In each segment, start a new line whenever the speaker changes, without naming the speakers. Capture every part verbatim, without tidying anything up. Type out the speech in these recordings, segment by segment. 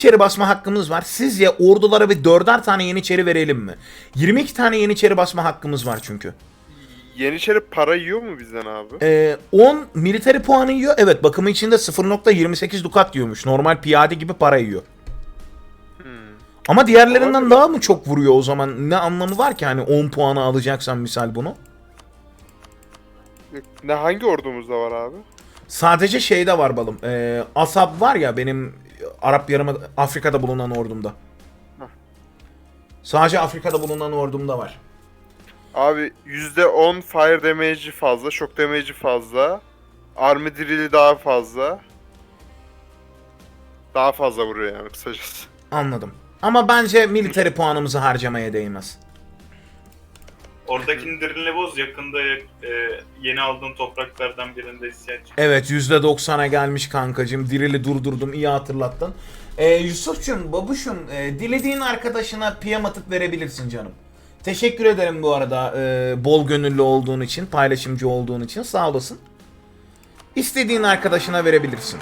Yeniçeri basma hakkımız var. Sizce ordulara bir dörder tane yeniçeri verelim mi? yirmi iki tane yeniçeri basma hakkımız var çünkü.
Yeniçeri para yiyor mu bizden abi?
Ee, on military puanı yiyor. Evet, bakımı içinde sıfır nokta yirmi sekiz dukat yiyormuş. Normal piyade gibi para yiyor.
Hmm.
Ama diğerlerinden
Olabilir.
daha mı çok vuruyor o zaman? Ne anlamı var ki hani on puanı alacaksan misal bunu?
Ne hangi ordumuzda var abi?
Sadece şeyde var balım. Ee, Asab var ya benim Arap Yarımada Afrika'da bulunan ordumda.
Heh.
Sadece Afrika'da bulunan ordumda var.
Abi yüzde on fire damage'i fazla, shock damage'i fazla. Army drill'i daha fazla. Daha fazla vuruyor yani kısacası.
Anladım. Ama bence military puanımızı harcamaya değmez.
Oradakini dirinle boz, yakında e, yeni aldığın topraklardan birinde isyan çıktı.
Evet, yüzde doksana gelmiş kankacığım. Dirili durdurdum, iyi hatırlattın. Ee, Yusuf'cum, babuşum, e, dilediğin arkadaşına P M atıp verebilirsin canım. Teşekkür ederim bu arada e, bol gönüllü olduğun için, paylaşımcı olduğun için, sağ olasın. İstediğin arkadaşına verebilirsin.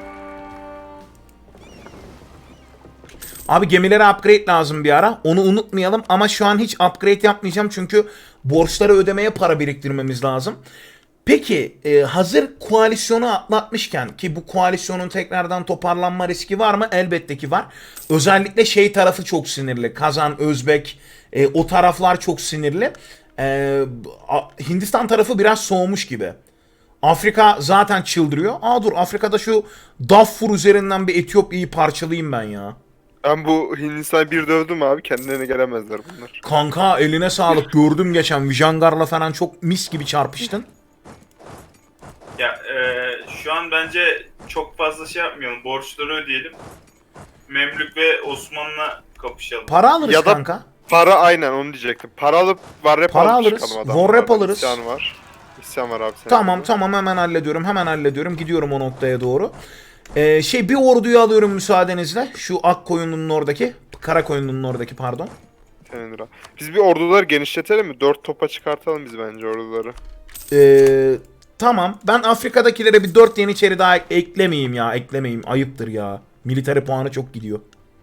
Abi gemilere upgrade lazım bir ara. Onu unutmayalım ama şu an hiç upgrade yapmayacağım çünkü borçları ödemeye para biriktirmemiz lazım. Peki e, hazır koalisyonu atlatmışken ki bu koalisyonun tekrardan toparlanma riski var mı? Elbette ki var. Özellikle şey tarafı çok sinirli. Kazan, Özbek e, o taraflar çok sinirli. E, Hindistan tarafı biraz soğumuş gibi. Afrika zaten çıldırıyor. Aa dur, Afrika'da şu Darfur üzerinden bir Etiyopya'yı parçalayayım ben ya.
Ben bu Hindistan'ı bir dövdüm abi, kendilerine gelemezler bunlar.
Kanka eline sağlık, gördüm geçen Vijangar'la falan çok mis gibi çarpıştın.
Ya e, şu an bence çok fazla şey yapmayalım. Borçları ödeyelim. Memlük ve Osman'la kapışalım.
Para alırız
Ya da-
kanka.
Para aynen onu diyecektim. Para alıp var rap
Para
alıp
alırız,
çıkalım adamlardan.
war rap alırız.
İsyan var. İsyan var abi senin.
Tamam
orada.
tamam, hemen hallediyorum hemen hallediyorum, gidiyorum o noktaya doğru. Ee, şey bir orduyu alıyorum müsaadenizle. Şu ak koyununun oradaki, kara koyununun oradaki pardon.
Senin lira. Biz bir orduları genişletelim mi? Dört topa çıkartalım biz bence orduları.
Ee, tamam, ben Afrika'dakilere bir dört yeniçeri daha ek- eklemeyeyim ya, eklemeyeyim, ayıptır ya. Military puanı çok gidiyor.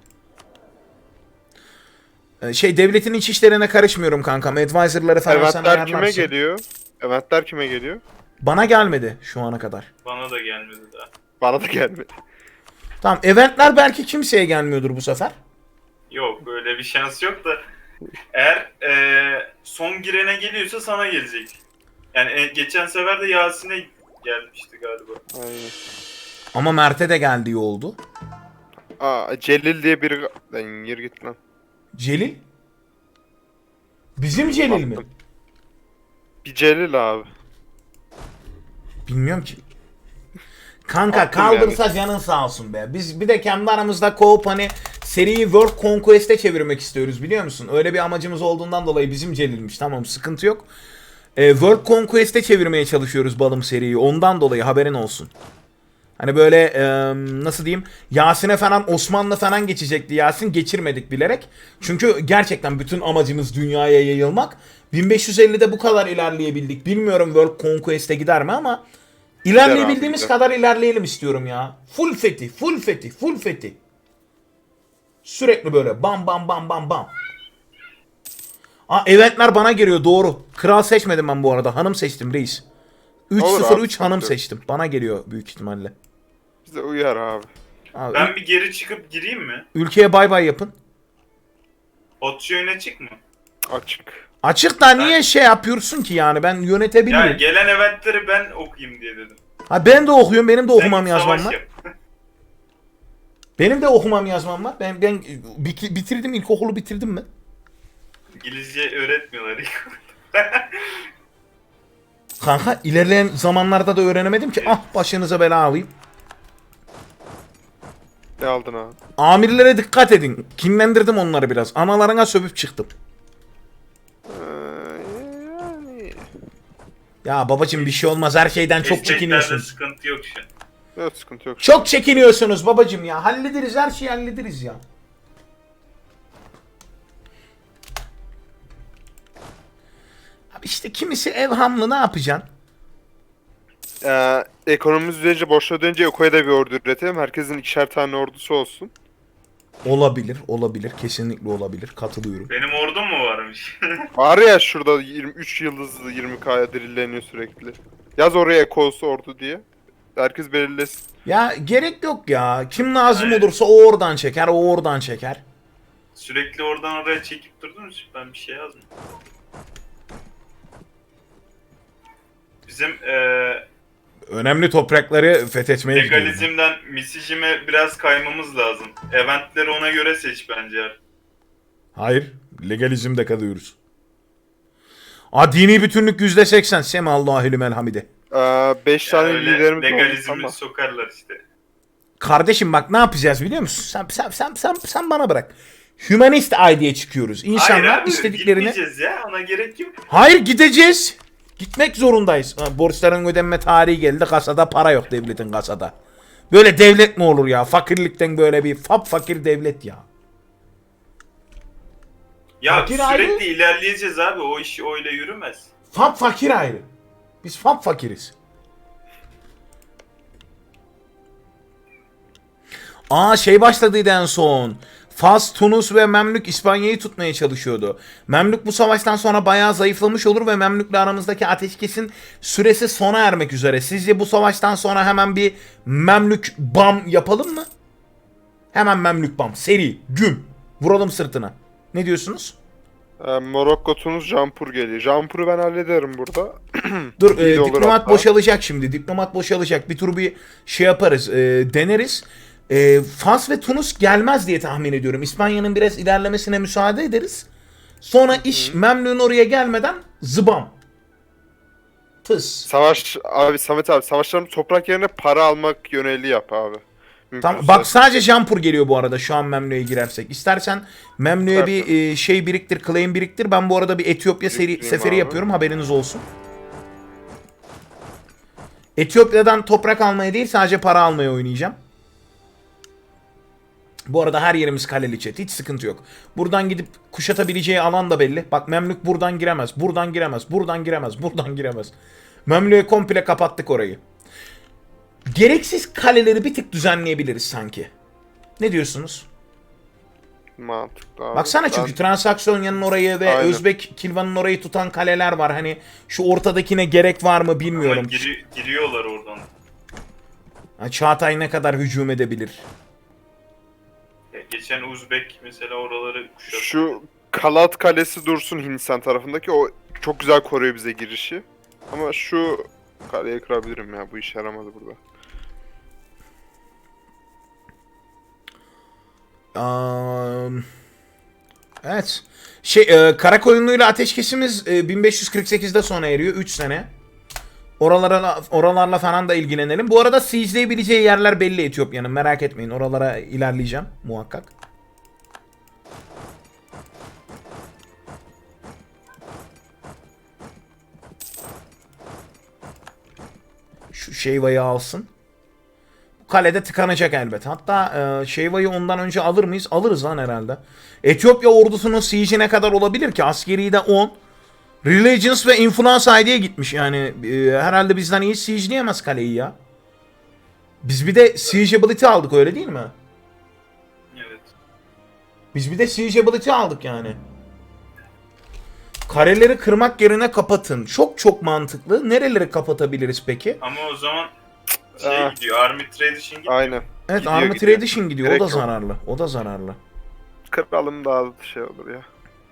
Ee, şey devletin iç işlerine karışmıyorum kankam. Advisor'ları falan sen
Eventler kime
ayarlarsın.
geliyor? Eventler kime geliyor?
Bana gelmedi şu ana kadar.
Bana da gelmedi daha.
Bana da gelmedi.
Tamam, eventler belki kimseye gelmiyordur bu sefer.
Yok, öyle bir şans yok da. Eğer e, son girene geliyorsa sana gelecek. Yani e, geçen sefer de Yasin'e gelmişti galiba.
Aynen.
Ama Mert'e de geldiği oldu.
Aa Celil diye biri... Lan yürü git lan.
Celil? Bizim Celil mi?
Baktım. Bir Celil abi.
Bilmiyorum ki. Kanka
Attım
kaldırsa canın sağ olsun be. Biz bir de kendi aramızda co-op hani seriyi World Conquest'e çevirmek istiyoruz, biliyor musun? Öyle bir amacımız olduğundan dolayı bizim Celil'miş. Tamam, sıkıntı yok. Ee, World Conquest'e çevirmeye çalışıyoruz balım seriyi. Ondan dolayı haberin olsun. Hani böyle e, nasıl diyeyim, Yasin'e falan, Osmanlı falan geçecekti Yasin, geçirmedik bilerek. Çünkü gerçekten bütün amacımız dünyaya yayılmak. bin beş yüz ellide bu kadar ilerleyebildik. Bilmiyorum World Conquest'e gider mi ama ilerleyebildiğimiz
gider.
kadar ilerleyelim istiyorum ya. Full fethi, full fethi, full fethi. Sürekli böyle bam bam bam bam bam. Aa, eventler bana geliyor, doğru. Kral seçmedim ben bu arada, hanım seçtim reis. üç
Olur
sıfır
abi,
üç hanım
sıkıntı yok.
seçtim. Bana geliyor büyük ihtimalle.
Bize uyar abi.
Abi,
Ben bir geri çıkıp gireyim mi?
ülkeye bay bay yapın.
Otçu öne çık mı?
Açık.
Açık da niye şey yapıyorsun ki yani, ben
Ya
yönetebilirim.
gelen eventleri ben okuyayım diye dedim.
Ha, ben de okuyorum, benim de
Sen
okumam
git
yazmam
savaş
var.
yap.
Benim de okumam yazmam var. Ben ben bik- bitirdim, ilkokulu bitirdim mi?
İngilizce öğretmiyorlar ilk.
Kanka ilerleyen zamanlarda da öğrenemedim ki. Ah, başınıza bela alayım.
Ne aldın abi?
Amirlere dikkat edin. Kinlendirdim onları biraz. Analarına sövüp çıktım.
Ee, yani...
Ya babacım bir şey olmaz, her şeyden çok
Desteklerde
çekiniyorsunuz.
sıkıntı yok şu an.
Yok sıkıntı yok.
Çok çekiniyorsunuz babacım ya. Hallederiz, her şeyi hallederiz ya. Abi işte kimisi evhamlı, ne yapacaksın?
Ee, ekonomimiz düzelince, borçlar ödeyince Yoko'ya da bir ordu üretelim. Herkesin ikişer tane ordusu olsun.
Olabilir, olabilir. Kesinlikle olabilir. Katılıyorum.
Benim ordum mu varmış?
Var ya şurada yirmi üç yıldızlı yirmi K'ya dirilleniyor sürekli. Yaz oraya Ekos ordu diye. Herkes belirlesin.
Ya gerek yok ya. Kim lazım
Aynen.
olursa o oradan çeker, o oradan çeker.
Sürekli oradan oraya çekip durdunuz. Ben bir şey yazmıyorum. Bizim eee
Önemli toprakları fethetmeye gidiyoruz.
legalizmden misijime biraz kaymamız lazım. Eventleri ona göre seç bence.
Hayır. Legalizmde kalıyoruz. Aa, dini bütünlük yüzde seksen. Semallahü limel hamide.
beş
Yani
tane
öyle
liderimiz olmuş
legalizmi
ama.
sokarlar işte.
Kardeşim bak ne yapacağız biliyor musun? Sen sen sen sen, sen bana bırak. Humanist ide'ye çıkıyoruz. İnsanlar
Hayır abi,
istediklerini...
gitmeyeceğiz ya, ona gerek yok.
Hayır gideceğiz. Gitmek zorundayız. Ha, borçların ödenme tarihi geldi. Kasada para yok devletin kasada. Böyle devlet mi olur ya? Fakirlikten böyle bir fap fakir devlet ya.
Ya
Fakir
sürekli
ayrı.
ilerleyeceğiz abi, o iş öyle yürümez.
Fap fakir ayrı. Biz fap fakiriz. Aa şey başladıydı en son. Fas, Tunus ve Memlük İspanya'yı tutmaya çalışıyordu. Memlük bu savaştan sonra bayağı zayıflamış olur ve Memlük'le aramızdaki ateşkesin süresi sona ermek üzere. Sizce bu savaştan sonra hemen bir Memlük bam yapalım mı? Hemen Memlük bam. Seri, güm. Vuralım sırtına. Ne diyorsunuz?
Ee, Morokko, Tunus, Jampur geliyor. Jampur'u ben hallederim burada.
Dur
İyi
e,
de olur
diplomat
hatta.
boşalacak şimdi. Diplomat boşalacak. Bir tur bir şey yaparız. e, deneriz. E, Fas ve Tunus gelmez diye tahmin ediyorum. İspanya'nın biraz ilerlemesine müsaade ederiz. Sonra iş Memlük'ün oraya gelmeden zıbam. Tıs.
Savaş abi Samet abi savaşlarımız toprak yerine para almak yöneli yap abi.
Tamam,
Mümkünse.
bak sadece Jampur geliyor bu arada şu an Memlük'e girersek. İstersen Memlük'e bir e, şey biriktir, claim biriktir. Ben bu arada bir Etiyopya seri,
Biriktireyim
seferi
abi.
yapıyorum, haberiniz olsun. Etiyopya'dan toprak almaya değil sadece para almaya oynayacağım. Bu arada her yerimiz kaleli chat. Hiç sıkıntı yok. Buradan gidip kuşatabileceği alan da belli. Bak Memlük buradan giremez. Buradan giremez. Buradan giremez. Buradan giremez. Memlük'e komple kapattık orayı. Gereksiz kaleleri bir tık düzenleyebiliriz sanki. Ne diyorsunuz?
Mantıklı abi.
Baksana çünkü
Ben-
Transaksonya'nın orayı ve
Aynen.
Özbek Kilvan'ın orayı tutan kaleler var. Hani şu ortadakine gerek var mı
Ama
bilmiyorum.
giri- giriyorlar oradan.
Ha, Çağatay ne kadar hücum edebilir?
Ya geçen Uzbek mesela oraları kuşattı.
Şu Kalat Kalesi dursun Hindistan tarafındaki, o çok güzel koruyor bize girişi. Ama şu kaleyi kırabilirim ya, bu işe yaramadı burada.
Um, evet. Şey, e, Karakoyunlu'yla ateşkesimiz e, bin beş yüz kırk sekizde sona eriyor. üç sene. Oralara, oralarla falan da ilgilenelim. Bu arada siege'leyebileceği yerler belli Etiyopya'nın. Merak etmeyin. Oralara ilerleyeceğim muhakkak. Şu Şeyva'yı alsın. Kalede tıkanacak elbet. Hatta e, Şeyva'yı ondan önce alır mıyız? Alırız lan herhalde. Etiyopya ordusunun siege'i ne kadar olabilir ki? Askeri de on. Religions ve Influence I D'ye gitmiş yani. E, herhalde bizden iyi siege'leyemez kaleyi ya. Biz bir de siegeability aldık, öyle değil mi?
Evet.
Biz bir de siegeability aldık yani. Kareleri kırmak yerine kapatın. Çok çok mantıklı. Nereleri kapatabiliriz peki?
Ama o zaman şey
Ah.
gidiyor, Army Tradition gidiyor.
Aynen.
Evet,
Gidiyor,
Army
gidiyor.
Tradition gidiyor.
Gerek
o da
yok.
zararlı. O da zararlı.
Kıralım daha şey olur ya.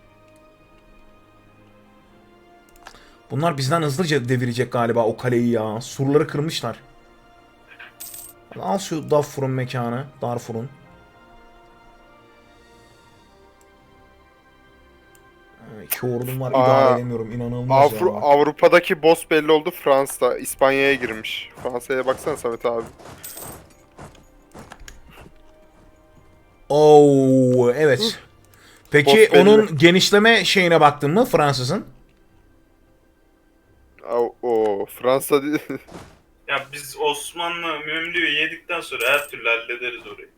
Bunlar bizden hızlıca devirecek galiba o kaleyi ya. Surları kırmışlar. Al şu Darfur'un mekanı. Darfur'un. İki ordum var,
Aa,
idare edemiyorum. İnanılmaz
Avru-
ya.
Avrupa'daki boss belli oldu, Fransa. İspanya'ya girmiş. Fransa'ya baksana Samet abi.
Oo, evet. Peki
Boss belli.
onun genişleme şeyine baktın mı Fransız'ın?
O, o Fransa değil.
Ya biz Osmanlı Memlü'yü yedikten sonra her türlü hallederiz orayı.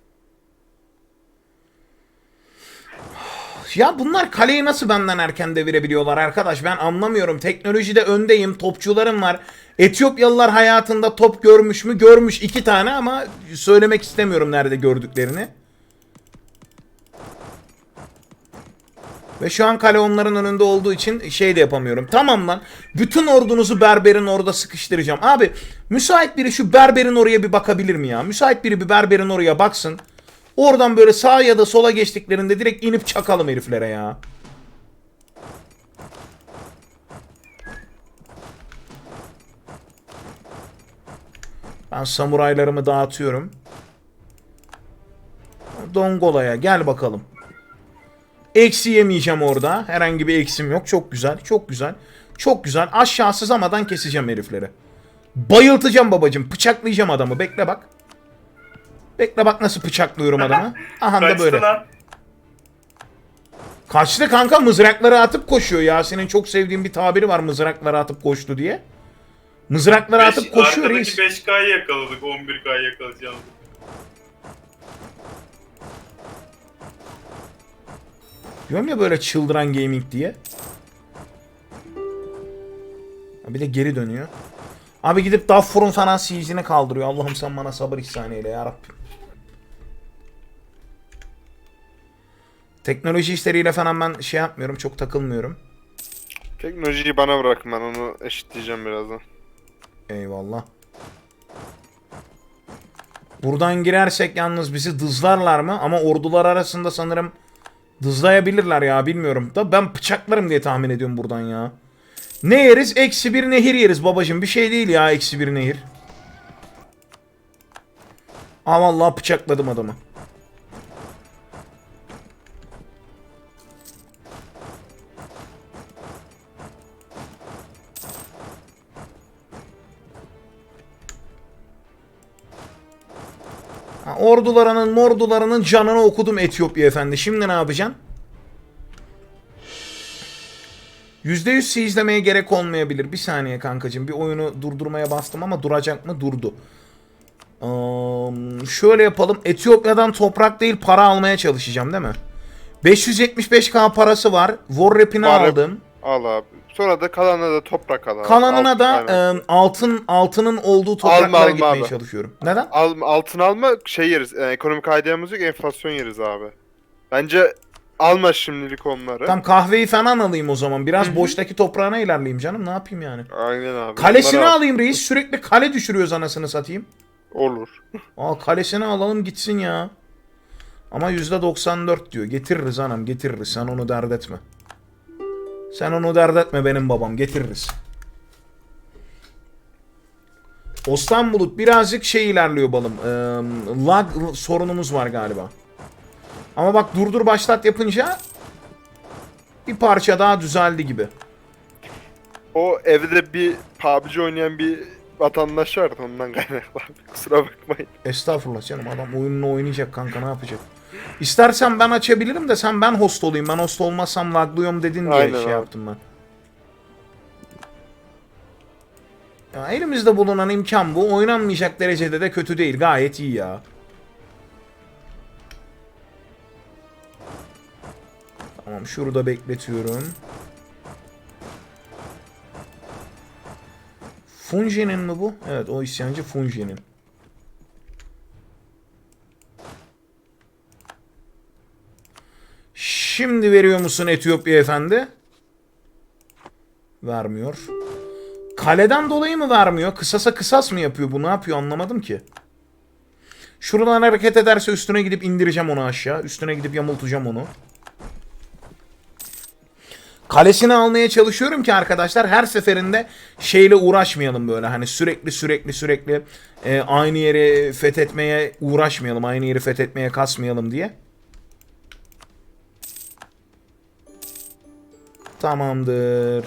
Ya bunlar kaleyi nasıl benden erken devirebiliyorlar arkadaş? Ben anlamıyorum. Teknolojide öndeyim. Topçularım var. Etiyopyalılar hayatında top görmüş mü? Görmüş iki tane ama söylemek istemiyorum nerede gördüklerini. Ve şu an kale onların önünde olduğu için şey de yapamıyorum. Tamam lan. Bütün ordunuzu berberin orada sıkıştıracağım. Abi müsait biri şu berberin oraya bir bakabilir mi ya? Müsait biri bir berberin oraya baksın. Oradan böyle sağa ya da sola geçtiklerinde direkt inip çakalım heriflere ya. Ben samuraylarımı dağıtıyorum. Dongola'ya gel bakalım. Eksi yemeyeceğim orada. Herhangi bir eksim yok. Çok güzel. Çok güzel. Çok güzel. Aşağı sızamadan keseceğim herifleri. Bayıltacağım babacım. Bıçaklayacağım adamı. Bekle bak. Bekle bak nasıl bıçaklıyorum adamı. Aha da
Kaçtı
böyle.
lan.
Kaçtı kanka, mızrakları atıp koşuyor. Yasin'in çok sevdiğim bir tabiri var, mızrakları atıp koştu diye. Mızrakları
Beş-
atıp koşuyor
arkadaki
reis.
beş K'yı yakaladık. on bir K'yı yakalayacağız.
Diyorum ya böyle çıldıran gaming diye. Bir de geri dönüyor. Abi gidip Darfur'un falan siege'ini kaldırıyor. Allah'ım sen bana sabır ihsan eyle yarabbim. Teknoloji işleriyle falan ben şey yapmıyorum. Çok takılmıyorum.
Teknolojiyi bana bırakın, ben onu eşitleyeceğim birazdan.
Eyvallah. Buradan girersek yalnız bizi dızlarlar mı? Ama ordular arasında sanırım dızlayabilirler ya, bilmiyorum. Da ben bıçaklarım diye tahmin ediyorum buradan ya. Ne yeriz? Eksi bir nehir yeriz babacım. Bir şey değil ya eksi bir nehir. Aa vallahi bıçakladım adamı. Ha, ordularının mordularının canını okudum Etiyopya efendi. Şimdi ne yapacaksın? yüzde yüz izlemeye gerek olmayabilir. Bir saniye kankacığım. Bir oyunu durdurmaya bastım ama duracak mı? Durdu. Ee, şöyle yapalım. Etiyopya'dan toprak değil para almaya çalışacağım değil mi? beş yüz yetmiş beş K parası var. War Rap'ini
Var Rap-
aldım.
Al abi. Sonra da kalanına da toprak al abi.
Kalanına
Alt-
da
aynen.
e, altın altının olduğu topraklara
Alma, alma
gitmeye
abi.
çalışıyorum. Neden?
Al, altın alma, şey yeriz. e, ekonomik aydiyamız yok, enflasyon yeriz abi. Bence alma şimdilik onları.
Tam kahveyi falan alayım o zaman. Biraz
Hı hı.
boştaki toprağına ilerleyeyim canım. Ne yapayım yani?
Aynen abi.
Kalesini
Onları al.
alayım reis. Sürekli kale düşürüyoruz anasını satayım.
Olur.
Aa kalesini alalım gitsin ya. Ama yüzde doksan dört diyor. Getiririz anam, getiririz. Sen onu dert etme. Sen onu dert etme benim babam. Getiririz. Osman Bulut birazcık şey ilerliyor balım. Ee, lag sorunumuz var galiba. Ama bak durdur başlat yapınca bir parça daha düzeldi gibi.
O evde bir P U B G oynayan bir vatandaş vardı, ondan kaynaklı abi. Kusura bakmayın.
Estağfurullah canım, adam oyununu oynayacak kanka, ne yapacak? İstersen ben açabilirim de sen ben host olayım. Ben host olmazsam laglıyorum dedin diye
Aynen
şey
abi.
yaptım ben. Ya elimizde bulunan imkan bu. Oynanmayacak derecede de kötü değil. Gayet iyi ya. Tamam şurada bekletiyorum. Funji'nin mi bu? Evet o isyancı Funji'nin. Şimdi veriyor musun Etiyopya efendi? Vermiyor. Kaleden dolayı mı vermiyor? Kısasa kısas mı yapıyor bu? Ne yapıyor anlamadım ki. Şuradan hareket ederse üstüne gidip indireceğim onu aşağı. Üstüne gidip yamultacağım onu. Kalesini almaya çalışıyorum ki arkadaşlar her seferinde şeyle uğraşmayalım böyle. Hani sürekli sürekli sürekli e, aynı yeri fethetmeye uğraşmayalım. Aynı yeri fethetmeye kasmayalım diye. Tamamdır.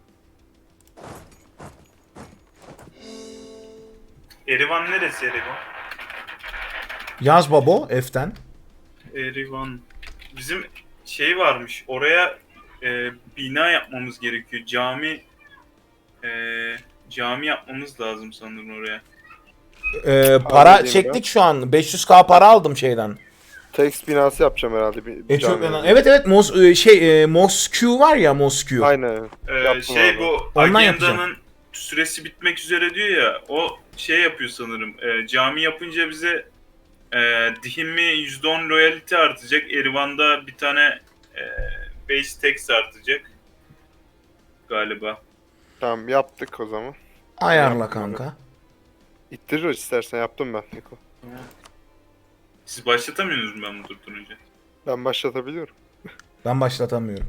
Erivan neresi Erivan?
Yaz babo F'ten.
Erivan. Bizim şey varmış. Oraya e, bina yapmamız gerekiyor. Cami e, cami yapmamız lazım sanırım oraya.
Ee, para
Anladım
çektik
ben.
şu an. beş yüz K para aldım şeyden.
Text binası yapacağım herhalde. Bir, bir
Etiyopya'dan.
camiye.
Evet evet Mos e, şey e, Moskü var ya Moskü.
Aynen.
Ee,
Yaptım
şey
abi.
bu
Ondan yapacağım.
agendanın süresi bitmek üzere diyor ya, o şey yapıyor sanırım. E, cami yapınca bize e, dihimi yüzde on loyalty artacak. Erivan'da bir tane e, beş tek artacak. Galiba.
Tamam yaptık o zaman.
Ayarla
Yaptım
kanka.
İttirir istersen yaptım ben Niko.
Siz başlatamıyorsunuz ben bunu durdurunca.
Ben başlatabiliyorum.
Ben başlatamıyorum.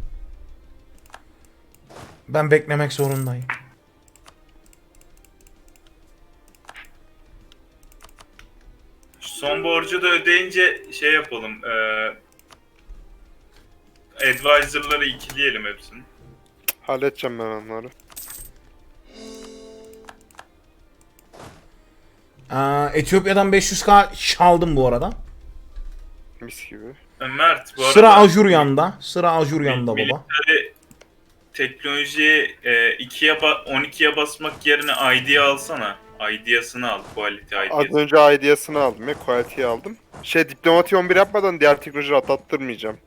Ben beklemek zorundayım.
Şu son borcu da ödeyince şey yapalım. Eee advisor'ları ikileyelim hepsini.
Halledeceğim ben onları.
Aa, Etiyopya'dan beş yüz k çaldım bu arada.
Mis gibi.
E, Mert bu arada...
Sıra Ajuryan'da. Sıra Ajuryan'da baba.
Military teknolojiyi e, ikiye ba- on ikiye basmak yerine I D alsana. I D'sini al. Quality
Az
I D'si.
önce ideyasını aldım ya. Quality'yi aldım. Şey diplomati on bir yapmadan diğer teknolojileri atlattırmayacağım.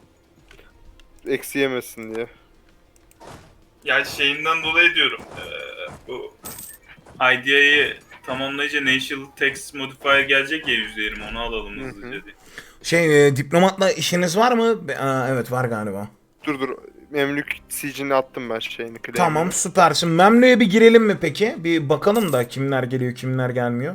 Eksi yemesin diye.
Ya şeyinden dolayı diyorum. E, bu I D'yi tamamlayınca National Text Modifier gelecek ya yüzde yirmi, onu alalım
Hı hı.
hızlıca diye.
Şey e, diplomatla işiniz var mı? Be- Aa, evet var galiba.
Dur dur. Memlük sicini attım ben şeyini. claim'ini.
Tamam süpersin. Memlü'ye bir girelim mi peki? Bir bakalım da kimler geliyor kimler gelmiyor.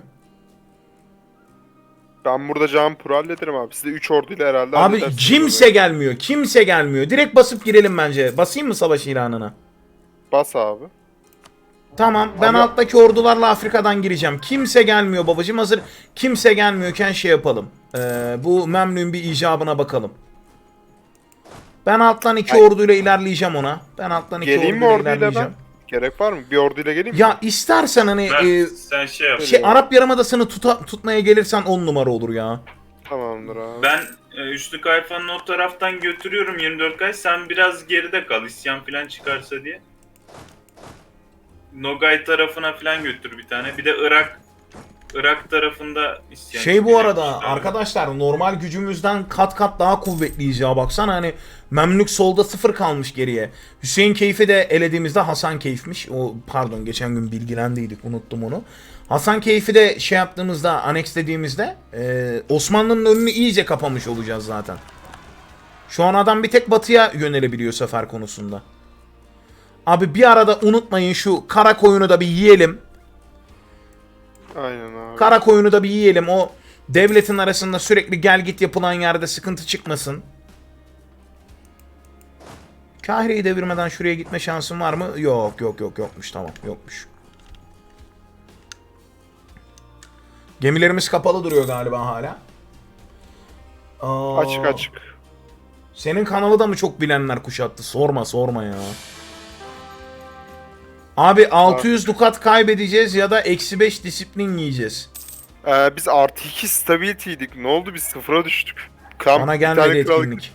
Ben burada Canpur'u hallederim abi. Siz de üç orduyla herhalde
Abi
halledersiniz
kimse
orayı.
gelmiyor. Kimse gelmiyor. Direkt basıp girelim bence. Basayım mı savaş ilanına?
Bas abi.
Tamam ben
Abi-
alttaki ordularla Afrika'dan gireceğim. Kimse gelmiyor babacım, hazır kimse gelmiyorken şey yapalım. Ee, bu Memlük'ün bir icabına bakalım. Ben alttan iki
Ay-
orduyla ilerleyeceğim ona. Ben alttan iki
Geleyim mi
orduyla
orduyla
ilerleyeceğim.
ben? Gerek var mı? Bir orduyla geleyim mi?
Ya istersen hani
Mert
e,
sen şey yap.
şey Arap Yarımadası'nı tuta, tutmaya gelirsen on numara olur ya.
Tamamdır abi.
Ben e, Üçlü Kayfan'ın o taraftan götürüyorum yirmi dört kay. Sen biraz geride kal isyan falan çıkarsa diye. Nogay tarafına falan götür bir tane. Bir de Irak Irak tarafında isyan
Şey bu
çıkacakmış
arada
abi.
arkadaşlar normal gücümüzden kat kat daha kuvvetliyiz ya, baksana hani Memlük solda sıfır kalmış geriye. Hüseyin Keyf'i de elediğimizde Hasan Keyf'miş. O pardon geçen gün bilgilendiydik, unuttum onu. Hasan Keyf'i de şey yaptığımızda, annexlediğimizde e, Osmanlı'nın önünü iyice kapamış olacağız zaten. Şu an adam bir tek batıya yönelebiliyor sefer konusunda. Abi bir arada unutmayın şu kara koyunu da bir yiyelim.
Aynen abi.
Kara koyunu da bir yiyelim. O devletin arasında sürekli gel git yapılan yerde sıkıntı çıkmasın. Kahire'yi devirmeden şuraya gitme şansın var mı? Yok yok yok yokmuş, tamam yokmuş. Gemilerimiz kapalı duruyor galiba hala. Aa,
Açık açık.
Senin kanalı da mı çok bilenler kuşattı? Sorma sorma ya. Abi altı yüz dukat kaybedeceğiz ya da eksi beş disiplin yiyeceğiz.
Ee, biz artı iki stability'ydik. Ne oldu? Biz sıfıra düştük. Kamp,
Bana
bir
gelmedi
tane kral-
etkinlik.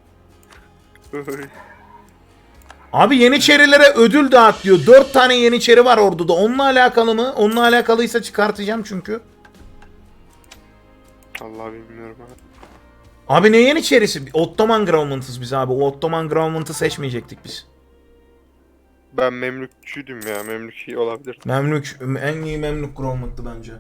Abi Yeniçerilere ödül dağıt diyor. dört tane Yeniçeri var orduda. Onunla alakalı mı? Onunla alakalıysa çıkartacağım çünkü.
Allah bilmiyorum abi.
Abi ne Yeniçerisi? Ottoman Government'ız biz abi. O Ottoman Government'ı seçmeyecektik biz.
Ben Memlükçüydüm ya. Memlük iyi olabilir.
Memlük, en iyi Memlük Government'tı bence.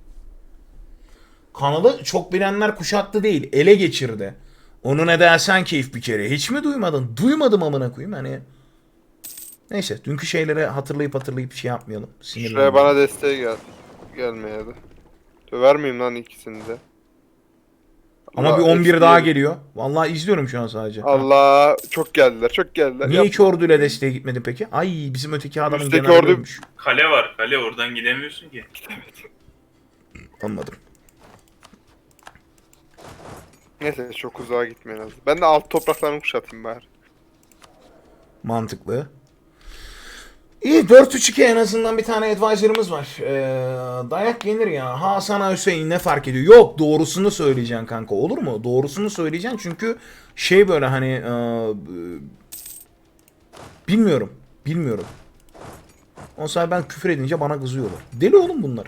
Kanalı çok bilenler kuşattı değil. Ele geçirdi. Onu ne dersen keyif bir kere. Hiç mi duymadın? Duymadım amına koyayım hani. Neyse dünkü şeyleri hatırlayıp hatırlayıp şey yapmayalım.
Şuraya
Sinirlenmeyelim.
bana desteğe gel. Gelmeye de. Döver miyim lan ikisini de?
Ama
Allah,
bir on bir
hepsi
daha
yedi.
geliyor. Vallahi izliyorum şu an sadece. Ha.
Allah çok geldiler çok geldiler.
Niye
Yap-
iki orduyla desteğe gitmedi peki? Ay bizim öteki adamın
Üstteki
generali
ordu-
ölmüş.
Kale var kale, oradan gidemiyorsun ki.
Anladım.
Neyse çok uzağa gitmeyin lazım. Ben de alt topraklarını kuşatayım bari.
Mantıklı. İyi dört üç iki en azından bir tane advisor'ımız var. Ee, dayak yenir ya. Hasan Hüseyin ne fark ediyor? Yok doğrusunu söyleyeceksin kanka, olur mu? Doğrusunu söyleyeceksin çünkü şey böyle hani e, bilmiyorum. Bilmiyorum. O zaman ben küfür edince bana kızıyorlar. Deli oğlum bunlar.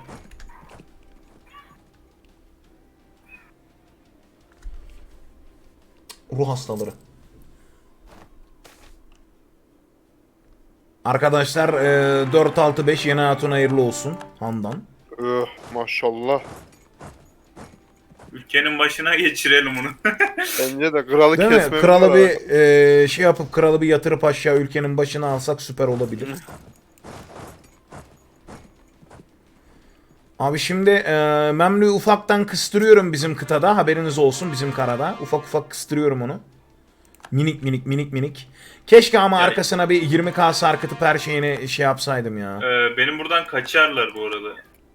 Ruh hastaları. Arkadaşlar e, dört altı beş yeni hatun hayırlı olsun. Handan.
Öh maşallah.
ülkenin başına geçirelim onu.
Bence de kralı
Değil mi?
kesmemiz
Kralı
lazım.
bir e, şey yapıp kralı bir yatırıp aşağı ülkenin başına alsak süper olabilir. Abi şimdi e, Memlü'yü ufaktan kıstırıyorum bizim kıtada. Haberiniz olsun, bizim karada. Ufak ufak kıstırıyorum onu. Minik minik minik minik. Keşke ama
Yani-
arkasına bir yirmi K sarkıtıp her şeyini şey yapsaydım ya.
Ee, benim buradan kaçarlar bu arada.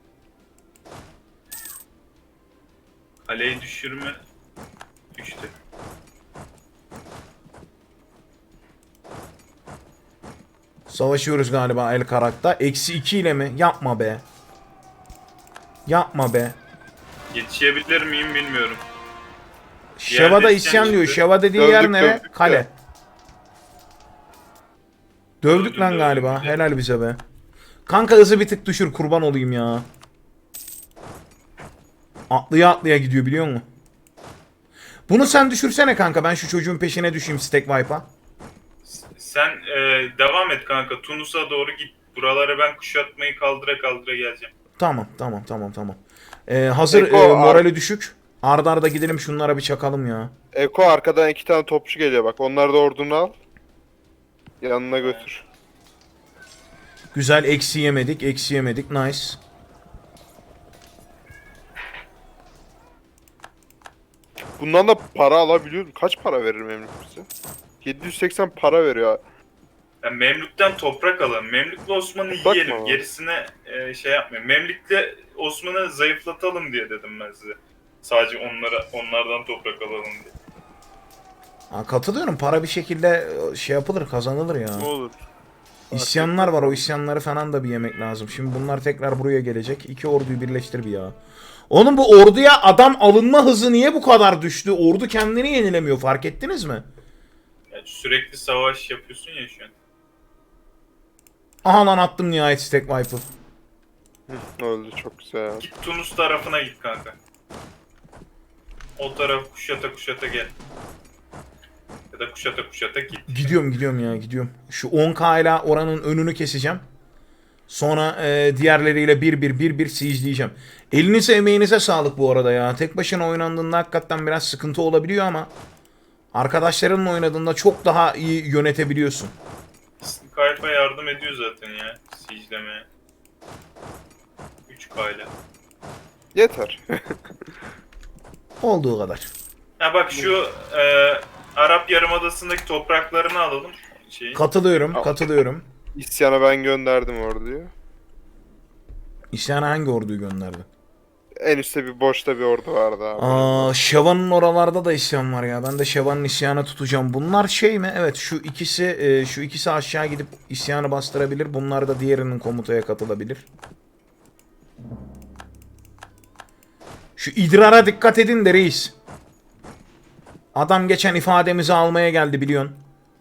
Kaleyi düşürme düştü.
Savaşıyoruz galiba El Karak'ta. Eksi iki ile mi? Yapma be. Yapma be.
Yetişebilir miyim bilmiyorum.
Şeva'da
isyan
isyan diyor.
çıktı.
Şeva dediği
Dövdük,
yer nere?
dövdük
Kale.
de.
Dövdük
Dövdüm,
lan
dövdüm
galiba.
bir de.
Helal bize be. Kanka hızı bir tık düşür, kurban olayım ya. Atlıya atlıya gidiyor biliyor musun? Bunu sen düşürsene kanka. Ben şu çocuğun peşine düşeyim Stack Wipe'a.
Sen e, devam et kanka. Tunus'a doğru git. Buralara ben kuşatmayı kaldıra kaldıra geleceğim.
Tamam tamam tamam tamam. Ee, hazır
Eko,
e,
ar-
morali düşük. Arda arda gidelim şunlara bir çakalım ya.
Eko arkadan iki tane topçu geliyor bak. Onlar da ordunu al. Yanına götür.
Güzel, eksi yemedik. Eksi yemedik. Nice.
Bundan da para alabiliyorum. Kaç para verir Memlük bize? yedi yüz seksen para veriyor.
Yani Memlük'ten toprak alalım. Memlük'le Osman'ı
Toprak
yiyelim.
mı?
Gerisine e, şey yapmayın. Memlük'le Osman'ı zayıflatalım diye dedim ben size. Sadece onlara onlardan toprak alalım diye.
Ha, katılıyorum. Para bir şekilde e, şey yapılır, kazanılır ya.
Ne olur.
İsyanlar var. O isyanları falan da bir yemek lazım. Şimdi bunlar tekrar buraya gelecek. İki orduyu birleştir bir ya. Oğlum bu orduya adam alınma hızı niye bu kadar düştü? Ordu kendini yenilemiyor. Fark ettiniz mi?
Yani sürekli savaş yapıyorsun ya şu an.
Aha lan attım nihayet Stack Wipe'ı.
Öldü çok güzel.
Git Tunus tarafına git kanka. O taraf kuşata kuşata gel. Ya da kuşata kuşata git.
Gidiyorum gidiyorum ya gidiyorum. Şu on K ile oranın önünü keseceğim. Sonra e, diğerleriyle bir bir bir bir siege'leyeceğim. Elinize emeğinize sağlık bu arada ya. Tek başına oynandığında hakikaten biraz sıkıntı olabiliyor ama arkadaşlarınla oynadığında çok daha iyi yönetebiliyorsun.
Kayfa yardım ediyor zaten ya. Siege'lemeye. üç K ile.
Yeter.
Olduğu kadar.
Ha bak şu e, Arap Yarımadası'ndaki topraklarını alalım. Şeyi.
Katılıyorum, katılıyorum.
İsyana ben gönderdim orduyu.
İsyana hangi orduyu gönderdi?
En üstte bir boşta bir ordu vardı abi.
Aa, Şeva'nın oralarda da isyan var ya. Ben de Şeva'nın isyanı tutacağım. Bunlar şey mi? Evet, şu ikisi e, şu ikisi aşağı gidip isyanı bastırabilir. Bunlar da diğerinin komutaya katılabilir. Şu idrara dikkat edin de reis. Adam geçen ifademizi almaya geldi biliyorsun.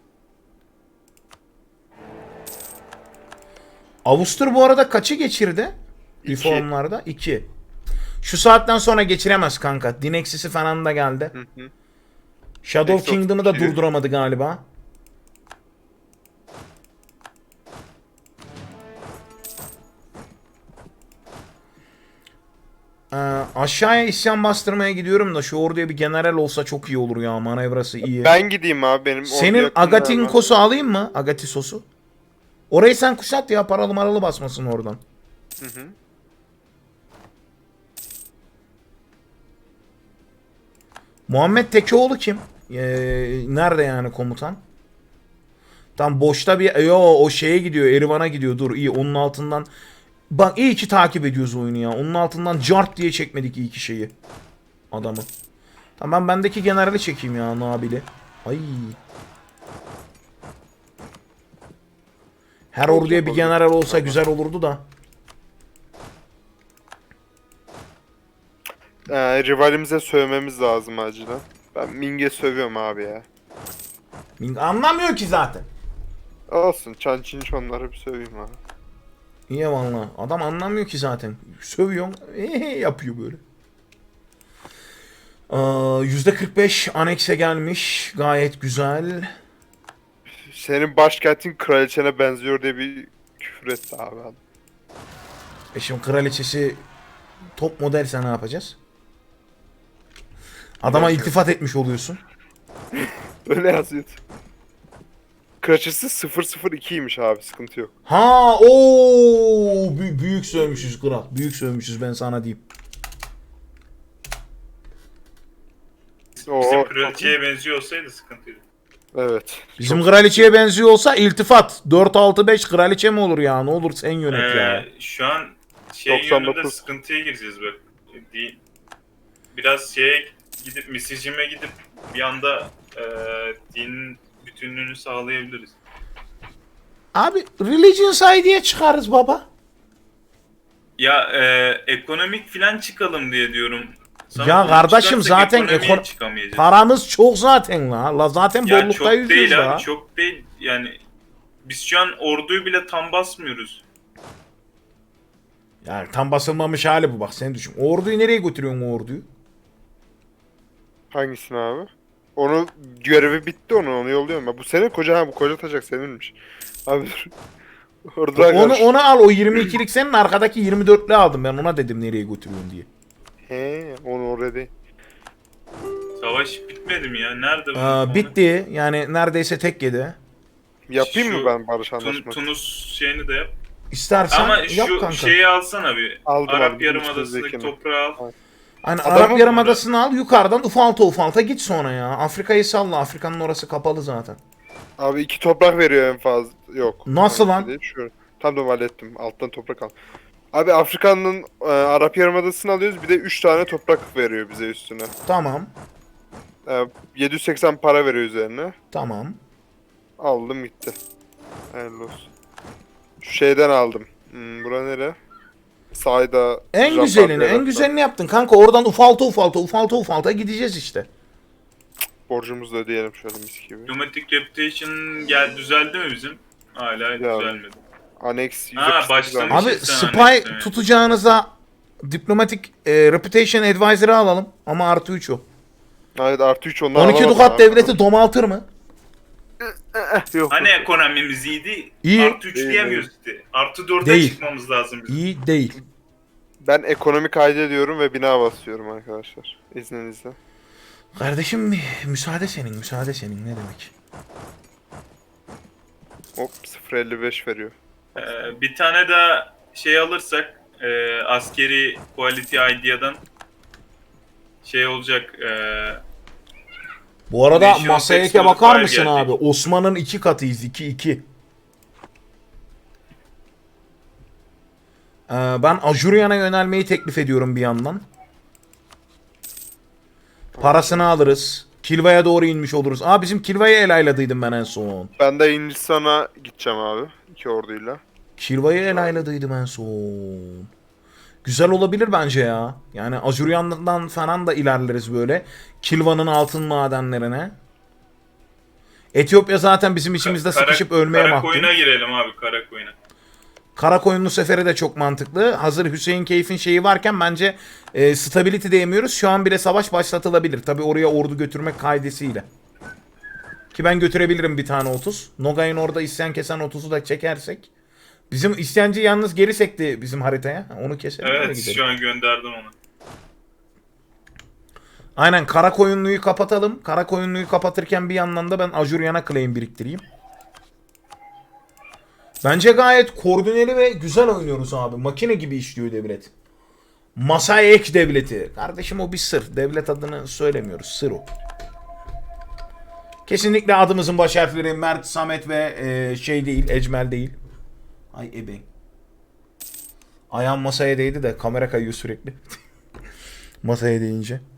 Avustur bu arada kaçı geçirdi?
İki.
Reformlarda? iki. Şu saatten sonra geçiremez kanka. Dinexis'i falan da geldi.
Hı hı.
Shadow
Nexus
Kingdom'ı da
iki.
durduramadı galiba. Ee, aşağıya isyan bastırmaya gidiyorum da şu orduya bir general olsa çok iyi olur ya. Manevrası iyi.
Ben gideyim abi benim ordu
Senin
yakında
Agatinkos'u alayım mı? Agatisos'u. Orayı sen kuşat ya. Paralı maralı basmasın oradan.
hemen. Hı hı.
Muhammed Tekeoğlu kim? Ee, nerede yani komutan? Tam boşta bir... Yo o şeye gidiyor. Erivan'a gidiyor. Dur iyi onun altından... Bak iyi ki takip ediyoruz oyunu ya. Onun altından cart diye çekmedik iyi ki şeyi. Adamı. Tamam ben bendeki generali çekeyim ya Nabil'i. Ay. Her
Çok
orduya bir
yapalım.
general olsa güzel olurdu da.
Ee, rivalimize sövmemiz lazım acilen. Ben Ming'e sövüyorum abi ya.
Anlamıyor ki zaten.
Olsun çan çin çonları bir söveyim abi.
İyi valla. Adam anlamıyor ki zaten. Sövüyor. Eee yapıyor böyle. Aa, yüzde kırk beş anekse gelmiş. Gayet güzel.
Senin başkentin kraliçene benziyor diye bir küfür etti abi adam.
E şimdi kraliçesi top modelse ne yapacağız? Adama iltifat etmiş oluyorsun.
Öyle yazıyor. Kraliçesi sıfır sıfır ikiymiş abi, sıkıntı yok.
Ha ooo Bü- büyük sövmüşüz kral. Büyük sövmüşüz ben sana diyeyim.
Oo,
Bizim kraliçeye benziyor olsaydı sıkıntıydı.
evet.
Bizim kraliçeye benziyor olsa iltifat. dört altı beş kraliçe mi olur ya? Ne olur sen yönet ya.
Ee, şu an şey
doksan
yönünde
dokuz.
sıkıntıya gireceğiz bak. Di- Biraz şeye gidip misijime gidip bir anda e, dinin bütünlüğünü sağlayabiliriz.
Abi religion side'ye çıkarız baba.
Ya e, ekonomik filan çıkalım diye diyorum. Sana
Ya
bunu
kardeşim
çıkarsak
zaten
ekonomiye
ekon-
çıkamayacağız.
Paramız çok zaten la. La zaten
Ya
bollukta
çok
yüzüyoruz
değil
la.
abi, çok değil. Yani biz şu an orduyu bile tam basmıyoruz.
Yani tam basılmamış hali bu bak sen düşün. Orduyu nereye götürüyorsun o orduyu?
Hangisini abi? Onu görevi bitti, onu onu yolluyorum ben. Bu senin koca, ha bu koca taşak seninmiş. Abi dur. Orada
Onu onu al, o yirmi ikilik senin, arkadaki yirmi dörtlü aldım ben, ona dedim nereye götürüyorsun diye.
He, onu oraya değil.
Savaş bitmedi mi ya? Nerede bu?
Aa,
konu?
bitti yani, neredeyse tek yedi.
Yapayım
Şu
mı ben barış
Tun-
anlaşması?
Tunus şeyini de yap.
İstersen
Ama
yap
şu
kanka.
şeyi alsana bir.
Aldım,
Arap
aldım.
Yarımadası'ndaki
Üstündekini.
toprağı al.
Hani
Adamı
Arap
mı
Yarımadası'nı al, yukarıdan ufalta ufalta git sonra ya. Afrika'yı salla, Afrika'nın orası kapalı zaten.
Abi iki toprak veriyor en fazla. Yok.
Nasıl lan?
Değil, şu. Tam da hallettim. Alttan toprak al. Abi Afrika'nın e, Arap Yarımadası'nı alıyoruz. Bir de üç tane toprak veriyor bize üstüne.
Tamam,
E, yedi yüz seksen para veriyor üzerine.
tamam.
Aldım gitti. Hayırlı olsun. Şu şeyden aldım. Hmm, bura nere? Sayda.
En
Japan
güzelini, en
Devlet'ten.
güzelini yaptın kanka. Oradan ufalta ufalta, ufalta ufalta gideceğiz işte.
Borcumuzu da ödeyelim şöyle mis gibi.
Diplomatic Reputation gel düzeldi mi bizim? Hala düzelmedi.
Annex yüz
Ha,
yetmiş sekiz
başlamış.
aldım.
Abi
sen
spy
anlaştın,
tutacağınıza Diplomatic e, Reputation Advisor'ı alalım ama artı üç o.
Evet, artı üç ondan
on iki
alamadım
Dukat
abi.
devleti domaltır mı?
Yok.
Hani ekonomimiz iyiydi?
İyi.
Artı üç
İyi,
diyemiyoruz işte. Artı dörde
Değil.
çıkmamız lazım bizim.
İyi değil.
Ben ekonomi kaydediyorum ve bina basıyorum arkadaşlar. İzninizle.
Kardeşim müsaade senin, müsaade senin ne demek?
Hop sıfır elli beş veriyor.
Ee, bir tane daha şey alırsak e, askeri Quality Idea'dan şey olacak. E,
Bu arada
National
masaya
Tax
eke bakar
Modifier
mısın
gelecek.
abi? Osman'ın iki katıyız, iki iki. Ee, ben Ajuryan'a yönelmeyi teklif ediyorum bir yandan. Parasını alırız. Kilva'ya doğru inmiş oluruz. Aa, bizim Kilva'yı el ayladıydım ben en son.
Ben de Hindistan'a gideceğim abi. İki orduyla.
Kilva'yı el ayladıydım en son. Güzel olabilir bence ya. Yani Ajuryan'dan falan da ilerleriz böyle. Kilva'nın altın madenlerine. Etiyopya zaten bizim içimizde
Kara-
sıkışıp ölmeye mahkum.
Karakoyun'a girelim abi, Karakoyun'a.
Karakoyunlu seferi de çok mantıklı. Hazır Hüseyin Keyf'in şeyi varken bence e, stability diyemiyoruz. Şu an bile savaş başlatılabilir. Tabi oraya ordu götürmek kaidesiyle. Ki ben götürebilirim bir tane otuz. Nogay'ın orada isyan kesen otuzu da çekersek. Bizim isyancı yalnız geri sekti bizim haritaya. Onu keselim. öyle
Evet,
gidelim.
şu an gönderdim onu.
Aynen, Karakoyunlu'yu kapatalım. Karakoyunlu'yu kapatırken bir yandan da ben Ajuryan'a claim biriktireyim. Bence gayet koordineli ve güzel oynuyoruz abi. Makine gibi işliyor devlet. Masaya ek devleti. Kardeşim o bir sır. Devlet adını söylemiyoruz. Sır o. Kesinlikle adımızın baş harfleri Mert, Samet ve e, şey değil. Ecmel değil. Ay ebe. Ayağım masaya değdi de kamera kayıyor sürekli. Masaya değince.